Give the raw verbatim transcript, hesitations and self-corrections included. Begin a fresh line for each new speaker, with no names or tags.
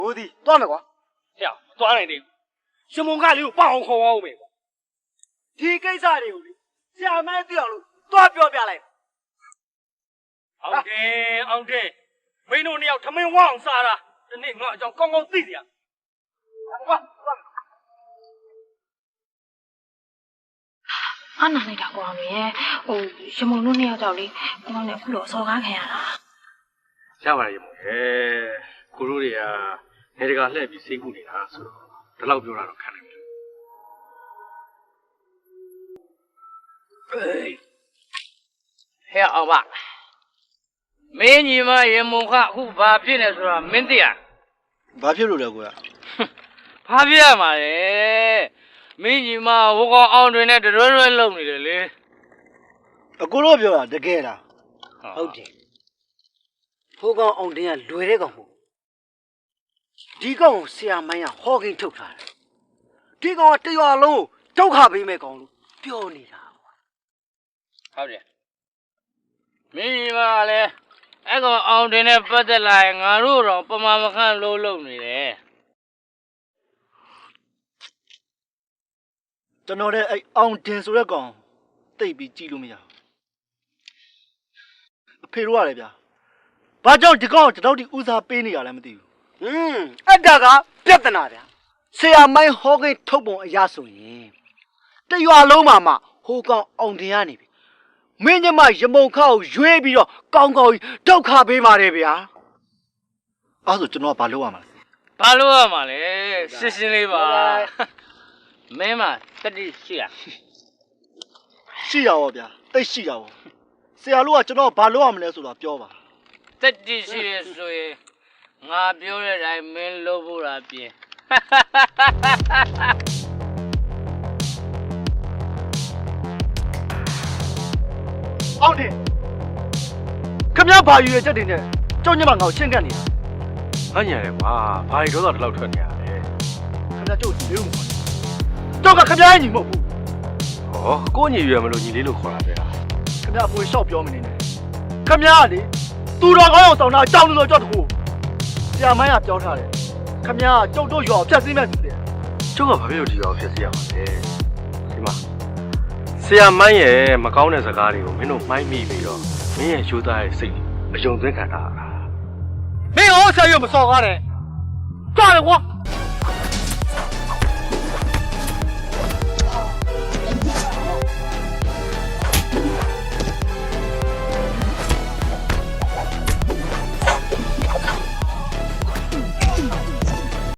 我的断了瓜，
呀，断了的，什么干流帮好好没？
提给啥的？下面掉路断标标来。
昂天昂天，没弄你要他们忘啥了？这你我叫刚刚对的呀。
啊，哪里打光面？哦，什么路你要找哩？光脸骷髅烧干看啦。
下回有冇？誒，咕嚕你啊，你哋個叻比辛苦你啦，所以都老表啦都看
你。嘿，阿爸，美女嘛也冇看，胡把片的说没得啊。
ဘာဖြစ်လို့လဲကိုရ
ဘာဖြစ်မှာလဲမင်းကြီးမဟိုကောင်အောင်တွင်နဲ့တရွဲရွဲလုံနေတယ်လေ
အကိုတို့ပြောတာတကယ်လားဟုတ်တယ်ဟိုကောင်အောင်တင်ကလွယ်တဲ့ကောင်မဟုတ်ဒီကောင်ကိုဆရာမိုင်းကဟောကင်းထုတ်ထားတယ်ဒီကောင်ကတရွာလုံးဒုက္ခပေးမဲ့ကောင်လို့ပြောနေတာ
ဟုတ်တယ်မင်းကြီးမလည်းအဲ့ကောင်အောင်တွင်နဲ့ပတ်သက်လာရင်ငါတို့တော့ပမာမခန့်လို့လုံနေတယ်
ကျွန်တော်တဲ့အဲ့အောင်တင်ဆိုတဲ့ကောင်တိတ်ပြီးကြည့်လို့မရဘူးအဖေတို့ရတယ်ဗျာဘာကြောင့်ဒီကောင်ကျွန်တော်ဒီဦးစားပေးနေရလဲမသိဘူးဟွန်းအဲ့ဒါကပြဿနာဗျာဆရာမိုင်းဟောကင်းထုတ်ပုံအရာဆိုရင်တရွာလုံးမှာမှဟိုကောင်အောင်တင်ရနေပြီမင်းညမရမုံခါကိုရွေးပြီးတော့ကောင်းကောင်းဒုက္ခပေးပါတယ်ဗျာအဲ့ဆိုကျွန်တော်ကဘာလုပ်ရမှာလဲ
ဘာလုပ်ရမှာလဲရှင်းရှင်းလေးပါမင်းမတတိရှိရ
ရှိရပါဗျာတိတ်ရှိရပါဆရာတို့ကကျွန်တော်ဘာလုပ်ရမလဲဆိုတာပြောပါ
တတိရှိရဆိုရင်ငါပြောတဲ့အတိုင်းမင်းလုပ်ဖို့တာပြင်
အောင်တယ်ခမရဘာယူရချက်တင်နဲ့ကြောက်ညမငါ့ကိုရှင်းကပ်နေတာ
။ငါညံတယ်ကွာ။ဘာတွေတော့တော့ဒီလောက်ထွက်နေရလဲ
ခမရကျုပ်ဒီလေးကိုခေါ်တယ်ကြောက်ကခမရညီမဟုတ်ဘူး
။ဟောကိုညီရွယ်မလို့ညီလေးလို့ခေါ်တာပဲ
ခမရအပွေလျှောက်ပြောမနေနဲ့ခမရကလေသူတော်ကောင်းအောင်ဆောင်တာကြောက်လို့ကြောက်တခုဆရာမိုင်းကပြောထားတယ်ခမရကကျုပ်တို့ရွာကိုဖျက်ဆီးမဲ့သူတယ်
။ကျုပ်ကဘာဖြစ်လို့ဒီရောဖြစ်စီရမှာလဲ။ဒီမှာဆရာမိုင်းရဲ့မကောင်းတဲ့စကားတွေကိုမင်းတို့မိုင်းမိပြီးတော့မင်းရဲ့ရိုးသားရဲ့စိတ်အယုံသွင်းခံတာလား
မင်းဟောဆရာရွမစော်ကားတယ်ကြွတယ်ကွာ